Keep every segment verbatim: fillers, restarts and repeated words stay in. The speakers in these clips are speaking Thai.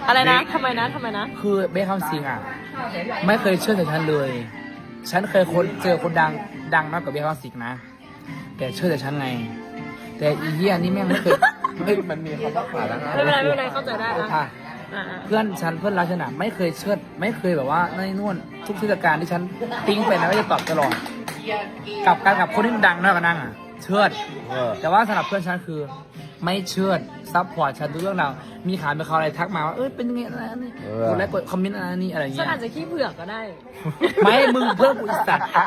อะไรนะทำไมนะทำไมนะคือเบคคำสิงอ่ะไม่เคยเชื่อใจฉันเลยฉันเคยคนเจอคนดังดังมากกว่าเบคคำสิงนะแต่เชื่อใจฉันไงแต่อีเหี้ยนี่แม่งไม่เคยไม่มันมีคำว่าขาดแล้วนะไม่เป็นไรไม่เป็นไรเข้าใจได้นะเพื่อนฉันเพื่อนรักฉันอ่ะไม่เคยเชื่อไม่เคยแบบว่าในนู่นทุกเทศกาลที่ฉันติ้งไปนะก็จะตอบตลอดกับการกับคนที่ดังมากกว่านั่งอ่ะเชื่อแต่ว่าสำหรับเพื่อนฉันคือไม่เชื่อซัพพอร์ตฉันทุกเรื่องราวมีข่าวมีข่าวอะไรทักมาว่าเอ้ยเป็นยังไงอะไรนี่กดไลค์กดคอมเมนต์อะไรนี่อะไรเงี้ยฉันอาจจะขี้เผือกก็ได้ไม่มึงเพื่อนกูอีสัตว์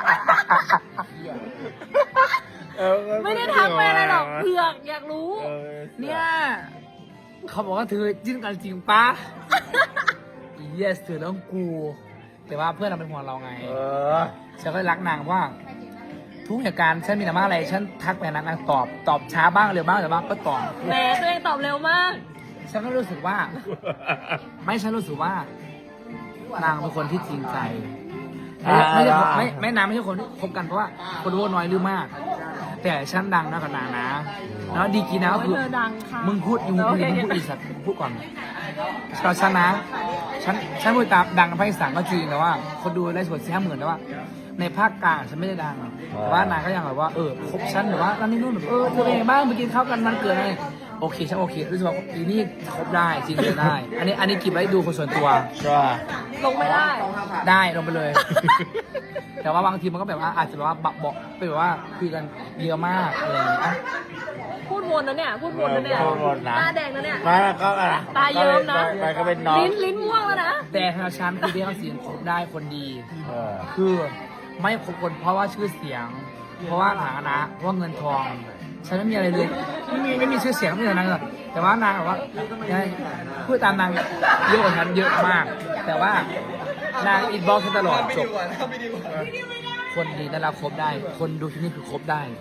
ไม่ได้ทักไปอะไรหรอกเผือกอยากรู้เนี่ยเขาบอกว่าเธอจิ้นกันจริงปะ yes เธอต้องกูแต่ว่าเพื่อนเราเป็นห่วงเราไงฉันก็รักนางว่าทุกเหตุการณ์ฉันมีแต่มาอะไรฉันทักไปนางนางตอบตอบช้าบ้างเร็วบ้างแต่บ้างก็ตอบแหมตัวเองตอบเร็วมากฉันก็รู้สึกว่าไม่ฉันรู้สึกว่านางเป็นคนที่จริงใจไม่ใช่ไม่ไม่นางไม่ใช่คนที่คบกันเพราะว่าคนรู้น้อยหรือมากแต่ฉันดังนะกับนางนะแล้วดีกีนะก็คือมึงพูดอยู่มึงพูดอีสัตว์พูดก่อนเราชนะฉันฉันพูดตามดังในภาคอีสานก็จริงแต่ว่าคนดูได้ส่วนสี่ห้าหมื่นแต่ว่าในภาคกลางฉันไม่ได้ดังแต่ว่านางก็ยังแบบว่าเออคบฉันแบบว่านั่นนี่นู่นแบบเออเธอเองบ้างไปกินข้าวกันมันเกิดอะไรโอเคฉันโอเครู้สึกว่าอีนี่คบได้จริงเลยได้อันนี้อันนี้กิบไว้ดูคนส่วนตัวลงไม่ได้ได้ลงไปเลย แต่ว่าบางทีมันก็แบบว่าอาจจะแบบว่าบอกไปแบบว่าคุยกันเยอะมากอะไรอย่างเงี้ยพูดวนนะเนี่ยพูดวนนะเนี่ยตาแดงนะเนี่ยมาก็อะไรตาเยิ้มนะไปก็เป็นน้องลิ้นลิ้นม่วงแล้วนะแต่ทางฉันคือเบี้ยเขาเสียงคบได้คนดีคือไม่คบคนเพราะว่าชื่อเสียงเพราะว่าฐานะเพราะเงินทองฉันไม่มีอะไรเลยไม่มีไม่มีชื่อเสียงไม่มีอะไรเลยแต่ว่านางบอกว่าพูดตามนางเยอะกว่าฉันเยอะมากแต่ว่านางอินบ็อกซ์ตลอดจบคนดีน่ารักคบได้คนดูที่นี่คือคบได้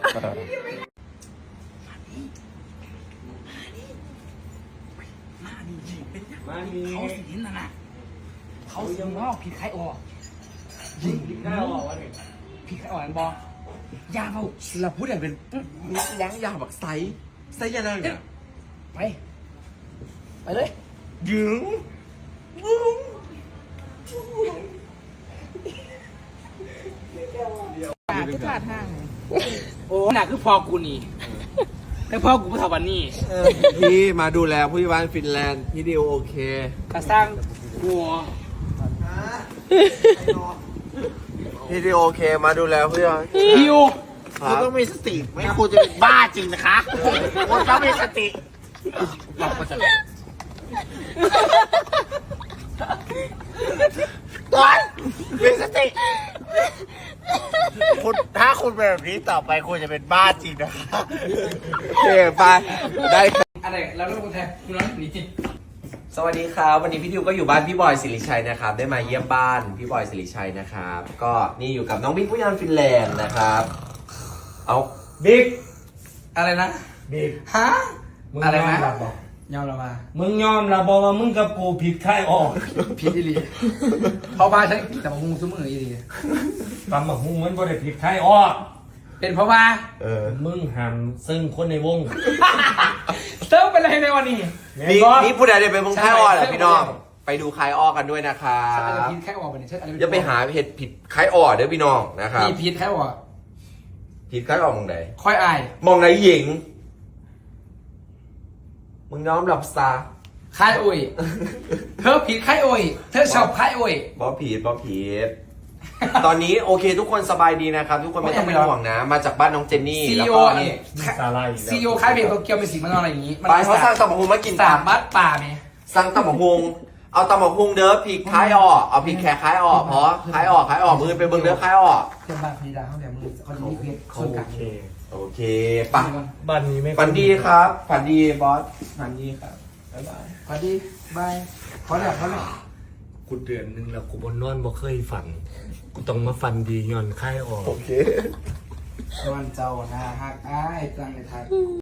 เขาสินน่ะนะเขาสินว่าผิดใครออกยิงผิดใครออกวะเนี่ยผิดใครออกอันบอกยาเปล่าเราพูดอย่างเป็นยังยาแบบไซส์ไซส์ยังไงเนี่ยไปไปเลยยืงตาที่ขาดห่างโอ้หนักคือพอกูนี่แต่พ่อกูก็ทำวันนี้พี่มาดูแลผู้ที่บ้านฟินแลนด์พี่ดิวโอเคกระสร้างกัวพี่ดิวโอเคมาดูแลผู้ที่บ้านดิวคุณต้องมีสติไม่คุณจะเป็นบ้าจริงนะคะคุณต้องมีสติหลอกมาจากก่อนมีสติคุณถ้าคุณเป็นแบบนี้ต่อไปคุณจะเป็นบ้าจริงนะคะโอเคไปได้อะไรแล้วลูกแทนคุณน้องหนีจิสวัสดีครับวันนี้พี่ทิวก็อยู่บ้านพี่บอยสิริชัยนะครับได้มาเยี่ยมบ้านพี่บอยสิริชัยนะครับก็นี่อยู่กับน้องบิ๊กผู้ยานฟินแลนด์นะครับเอาบิ๊กอะไรนะบิ๊กฮะอะไรนะยอมเรามามึงยอมเราบอกว่ามึงกับกูผิดใครออกผิดอีหลีเพราะว่าใช่แต่มาหุงซุ้มมืออีหลีตำบักหุ่งมันบ่ได้ผิดใครออกเป็นเพราะว่าเออมึงหันซึ่งคนในวงเซิร์ฟเป็นอะไรในวันนี้นี่นี่ผู้ใดได้ไปมึงค่ายอ้อเหรอพี่น้องไปดูค่ายอ้อกันด้วยนะครับผิดค่ายอ้อเป็นเช่นอะไรจะไปหาเพจผิดค่ายอ้อเด้อพี่น้องนะครับนี่ผิดค่ายอ้อผิดค่ายอ้อมองไหนค่อยอายมองไหนหญิงมึงน้อมหลับตาค่ายอุ้ยเธอผิดค่ายอุ้ยเธอชอบค่ายอุ้ยบอผิดบอผิดตอนนี้โอเคทุกคนสบายดีนะครับทุกคนไม่ต้องเป็นห่วงนะมาจากบ้านน้องเจนนี่แล้วก็นี่ซีโอค่ายเพลงโตเกียวเป็นสีมันอะไรอย่างนี้ไปเขาสร้างตำบักหุ่งมากินสามบัดป่าไหมสร้างตำบักหุ่งเอาตำบักหุ่งเด้อผิดค่ายอ้อเอาผิดแขกค่ายอ้อเพราะค่ายอ้อค่ายอ้อมือเป็นเบิ้งเด้อค่ายอ้อเพื่อนบ้านพีดาเขาเนี่ยมือเขาดีเพียรโอเคโอเคป่ะบ้านนี้ไม่ฝันดีครับฝันดีบอสฝันดีครับบ๊ายบายฝันดีบายขอแหลกขอแหลกกูเดือนนึงแล้วกูบนนอนบ่เคยฝันกูต้องมาฝันดีย้อนค่ายออกโอเควันเจ้าหน้าฮักอ้ายตั้งในไทย